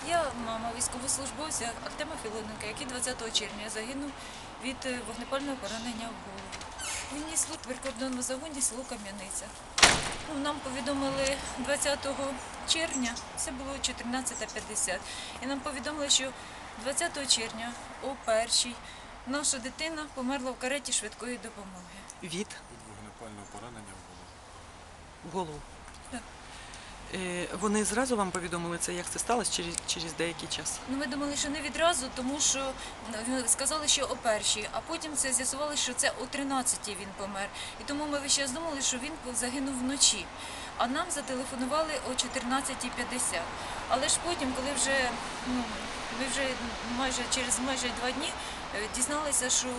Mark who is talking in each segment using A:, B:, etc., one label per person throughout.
A: Я мама військовослужбовця Артема Філоненка, який 20 червня загинув від вогнепального поранення в голову. Він ніс службу в прикордонному загоні село Кам'яниця. Нам повідомили 20 червня, це було 14:50, і нам повідомили, що 20 червня о 1-й наша дитина померла в кареті швидкої допомоги.
B: Від
C: Від вогнепального поранення в голову.
B: в голову.
A: Так.
B: Вони зразу вам повідомили це, як це сталося, через деякий час?
A: Ми думали, що не відразу, тому що сказали, що о 1-й, а потім це з'ясували, що це о 13-й він помер. І тому ми весь час думали, що він загинув вночі. А нам зателефонували о 14:50. Але ж потім, коли вже ми вже через майже 2 дні дізналися, що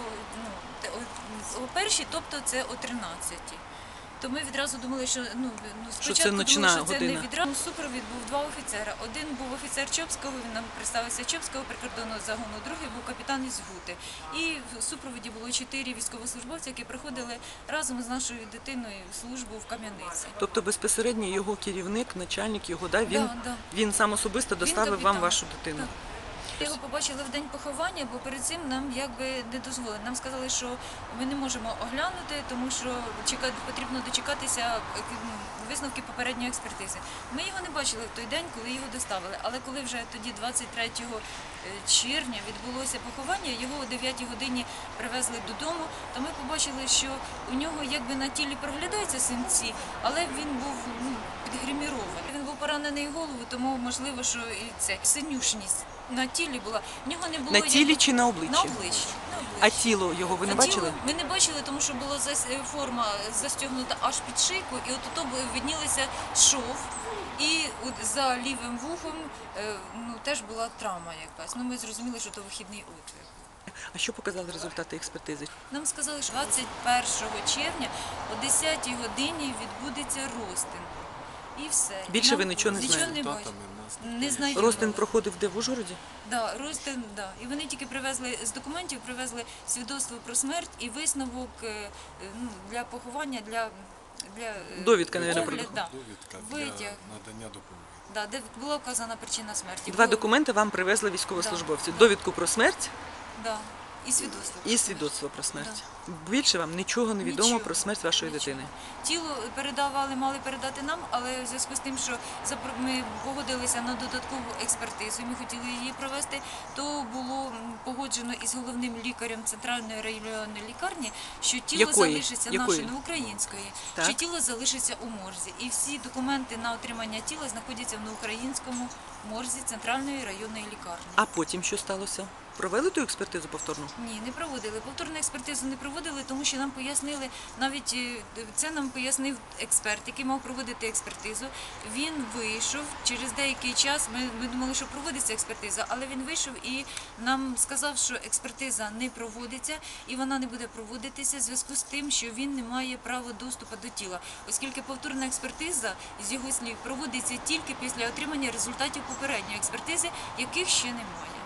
A: о 1-й, тобто це о 13-й. То ми відразу думали, що спочатку
B: ночна
A: думали, що це
B: година.
A: не відразу. Супровід був 2 офіцера. Один був офіцер Чопського, він нам представився Чопського прикордонного загону, другий був капітан із Гути. І в супроводі було 4 військовослужбовці, які приходили разом з нашою дитиною службу в Кам'яниці.
B: Тобто безпосередньо його керівник, начальник його, він сам особисто доставив вам
A: капітан.
B: вашу дитину?
A: Так. Його побачили в день поховання, бо перед цим нам якби не дозволили. Нам сказали, що ми не можемо оглянути, тому що потрібно дочекатися висновки попередньої експертизи. Ми його не бачили в той день, коли його доставили. Але коли вже тоді 23 червня відбулося поховання, його о 9 годині привезли додому, то ми побачили, що у нього якби на тілі проглядаються синці, але він був підгримірований. Він був поранений в голову, тому можливо, що і це синюшність на тілі була. В нього не було
B: На тілі чи на обличчі?
A: На обличчі.
B: А тіло його ви не бачили?
A: Ми не бачили, тому що була форма застягнута аж під шийку, і от тут виднілися шов. І от за лівим вухом теж була травма якась. Ми зрозуміли, що це вихідний отвір.
B: А що показали результати експертизи?
A: Нам сказали, що 21 червня о 10 годині відбудеться розтин. І все.
B: Більше ви нічого не знаєте?
A: Нічого не бачили. Не знаю.
B: Розтин проходив де, в Ужгороді?
A: Да, розтин, да. І вони тільки привезли з документів, привезли свідоцтво про смерть і висновок для поховання, для
B: довідка, мабуть,
A: огляд, да.
C: Довідка
A: Витяг.
C: для надання допомоги.
A: Да, де була вказана причина смерті.
B: 2 документи вам привезли військовослужбовці.
A: Да.
B: Довідку про смерть
A: Да. І свідоцтво.
B: і свідоцтво про смерть. Більше вам нічого не відомо
A: Нічого.
B: про смерть вашої
A: Нічого.
B: дитини?
A: Тіло мали передати нам, але в зв'язку з тим, що ми погодилися на додаткову експертизу, ми хотіли її провести, то було погоджено із головним лікарем Центральної районної лікарні, що тіло залишиться нашої української,
B: Так.
A: що тіло залишиться у морзі. І всі документи на отримання тіла знаходяться на українському морзі Центральної районної лікарні.
B: А потім що сталося? Провели ту експертизу повторну?
A: Ні, не проводили. Повторну експертизу не проводили, тому що нам пояснили, навіть це нам пояснив експерт, який мав проводити експертизу. Він вийшов через деякий час, ми думали, що проводиться експертиза, але він вийшов і нам сказав, що експертиза не проводиться і вона не буде проводитися в зв'язку з тим, що він не має права доступу до тіла, оскільки повторна експертиза, з його слів, проводиться тільки після отримання результатів попередньої експертизи, яких ще немає.